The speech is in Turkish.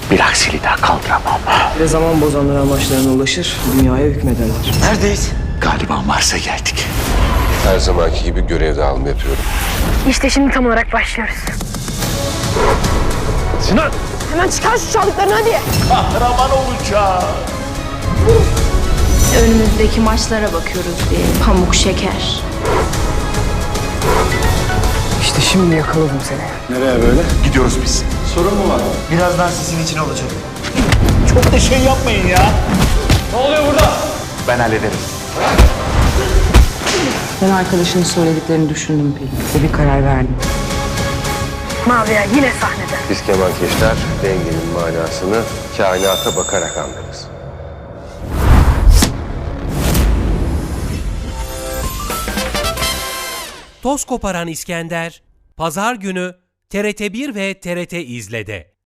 Bir aksiliği daha kaldıramam. Ve zaman bozanlar amaçlarına ulaşır, dünyaya hükmederler. Neredeyiz? Galiba Mars'a geldik. Her zamanki gibi görev dağılımı yapıyorum. İşte şimdi tam olarak başlıyoruz. Sinan! Hemen çıkar şu çaldıklarını hadi. Kahraman olacağız. Önümüzdeki maçlara bakıyoruz bir pamuk şeker. İşte şimdi yakaladım seni. Nereye böyle? Gidiyoruz biz. Sorun mu var? Birazdan sisin için olacak. Çok da şey yapmayın ya. Ne oluyor burada? Ben hallederim. Ben arkadaşının söylediklerini düşündüm Pelin ve bir karar verdim. Maviya yine sahnede. Biz kemankeşler dengenin manasını kainata bakarak anlarız. Toz koparan İskender, Pazar günü TRT1 ve TRT İzle'de.